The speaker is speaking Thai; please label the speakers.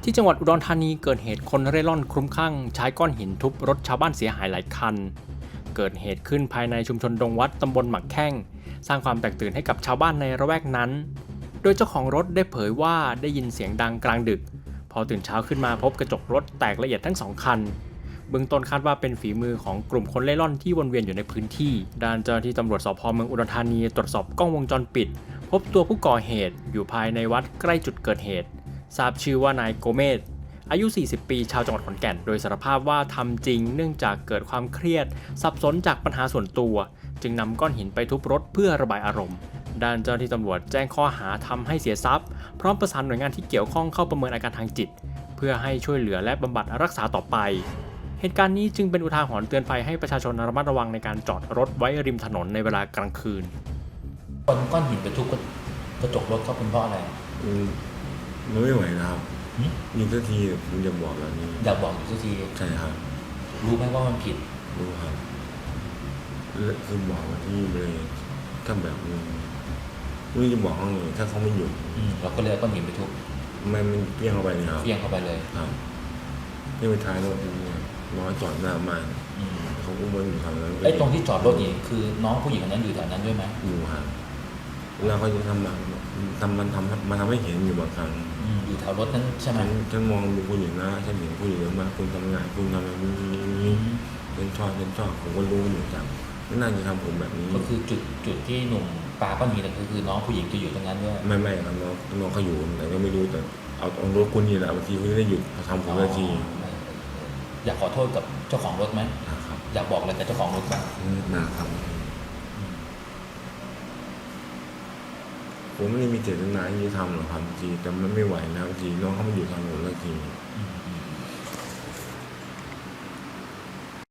Speaker 1: ที่จังหวัดอุดรธานีเกิดเหตุคนเร่ร่อนคลุ้มคลั่งใช้ก้อนหินทุบรถชาวบ้านเสียหายหลายคันเกิดเหตุขึ้นภายในชุมชนดงวัดตำบลหมักแข้งสร้างความแตกตื่นให้กับชาวบ้านในระแวกนั้นโดยเจ้าของรถได้เผยว่าได้ยินเสียงดังกลางดึกพอตื่นเช้าขึ้นมาพบกระจกรถแตกละเอียดทั้งสองคันเบื้องต้นคาดว่าเป็นฝีมือของกลุ่มคนเล่ร่อนที่วนเวียนอยู่ในพื้นที่ด้านเจ้าหน้าที่ตำรวจสพเมืองอุดรธานีตรวจสอบกล้องวงจรปิดพบตัวผู้ก่อเหตุอยู่ภายในวัดใกล้จุดเกิดเหตุทราบชื่อว่านายโกเมศอายุ 40 ปี ชาวจังหวัดขอนแก่น โดยสารภาพว่าทำจริงเนื่องจากเกิดความเครียดสับสนจากปัญหาส่วนตัวจึงนำก้อนหินไปทุบรถเพื่อระบายอารมณ์ด้านเจ้าหน้าที่ตำรวจแจ้งข้อหาทำให้เสียทรัพย์พร้อมประสานหน่วยงานที่เกี่ยวข้องเข้าประเมินอาการทางจิตเพื่อให้ช่วยเหลือและบำบัดรักษาต่อไปเหตุการณ์นี้จึงเป็นอุทาหรณ์เตือนภัยให้ประชาชนระมัดระวังในการจอดรถไว้ริมถนนในเวลากลางคืน
Speaker 2: ก้อนหินไปทุบกระจกรถเขาเป็นเพราะอะไร
Speaker 3: มันไม่ไหวนะครับยิงสักทีผมอยากบอกแบบนี้
Speaker 2: อยากบอกอยู่สักที
Speaker 3: ใช่ครับ
Speaker 2: รู้ไหมว่ามันผิด
Speaker 3: รู้ครับคือบอกว่าที่เลยถ้าแบบไม่จะบอกเขาเลยถ้าเขาไม่หยุด
Speaker 2: เราก็เลยก้อนหินไปทุบ
Speaker 3: มันเปี้ยงเข้าไปเลยครับ
Speaker 2: เปี้ยงเข้าไปเลย
Speaker 3: ครับนี่ไปท้ายรถน้อยจอดหน้าบ้านเขาอุ้มมันอยู่แถวนั้น
Speaker 2: ไอ้ตรงที่จอดรถนี่คือน้องผู้หญิงคนนั้นอยู่แถวนั้นด้วยไหม
Speaker 3: อยู่ครับแล้วเขาจะทำมันทำให้เห็นอยู่บางครั้ง
Speaker 2: อยู่แถวรถนั้นใช่ไหม
Speaker 3: ฉันมองดูผู้หญิงนะฉันเห็นผู้หญิงเยอะมากคุณทำงานคุณทำอะไรนี้ฉันชอบผมก็รู้อยู่จังไม่น่าจะทำผมแบบนี้
Speaker 2: ก็คือจุดที่หนุ่มปาก้อนหินนั่นคือน้องผู้หญิงจะอยู่ตรงนั้นด้วย
Speaker 3: ไม่ครับน้องเขาอยู่แต่ก็ไม่รู้แต่เอารถคุณนี่แหละบางทีเขาไม่ได้หยุดเขาทำผมบางที
Speaker 2: อยากขอโทษกับเจ้าของรถไหม
Speaker 3: ครับ
Speaker 2: อยากบอกอะไรกับเจ้าของรถบ้าง
Speaker 3: นะครับผมไม่ได้มีเจตนาที่จะทำหรอกครับทีแต่มันไม่ไหวนะทีน้องเขามาอยู่ทางหนแล้วที